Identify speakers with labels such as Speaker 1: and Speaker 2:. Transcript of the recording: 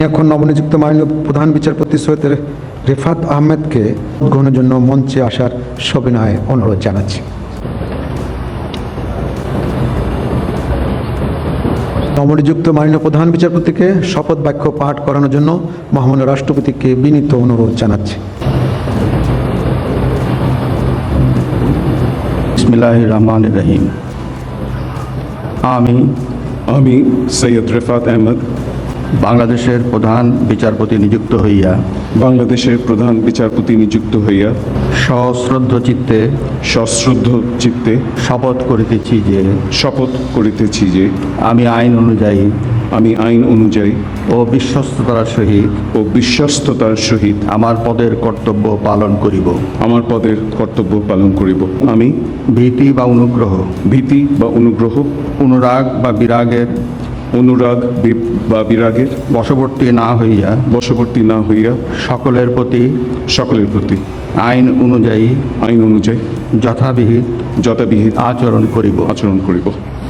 Speaker 1: এখন নবনিযুক্ত মাননীয় প্রধান বিচারপতি সৈয়দ রেফাত আহমেদকে গ্রহণের জন্য মঞ্চে আসার সবিনয়ে অনুরোধ জানাচ্ছি। নবনিযুক্ত মাননীয় প্রধান বিচারপতিকে শপথ বাক্য পাঠ করানোর জন্য মহামান্য রাষ্ট্রপতিকে বিনীত অনুরোধ জানাচ্ছি।
Speaker 2: বিসমিল্লাহির রহমানির রহিম।
Speaker 3: আমি সৈয়দ রেফাত আহমেদ
Speaker 2: বাংলাদেশের প্রধান বিচারপতি নিযুক্ত হইয়া সশ্রদ্ধ চিত্তে শপথ করিতেছি যে আমি আইন অনুযায়ী ও বিশ্বস্ততার সহিত আমার পদের কর্তব্য পালন করিব। আমি ভীতি বা অনুগ্রহ অনুরাগ বা বিরাগের বশবর্তী না হইয়া সকলের প্রতি আইন অনুযায়ী যথাবিহিত আচরণ করিব।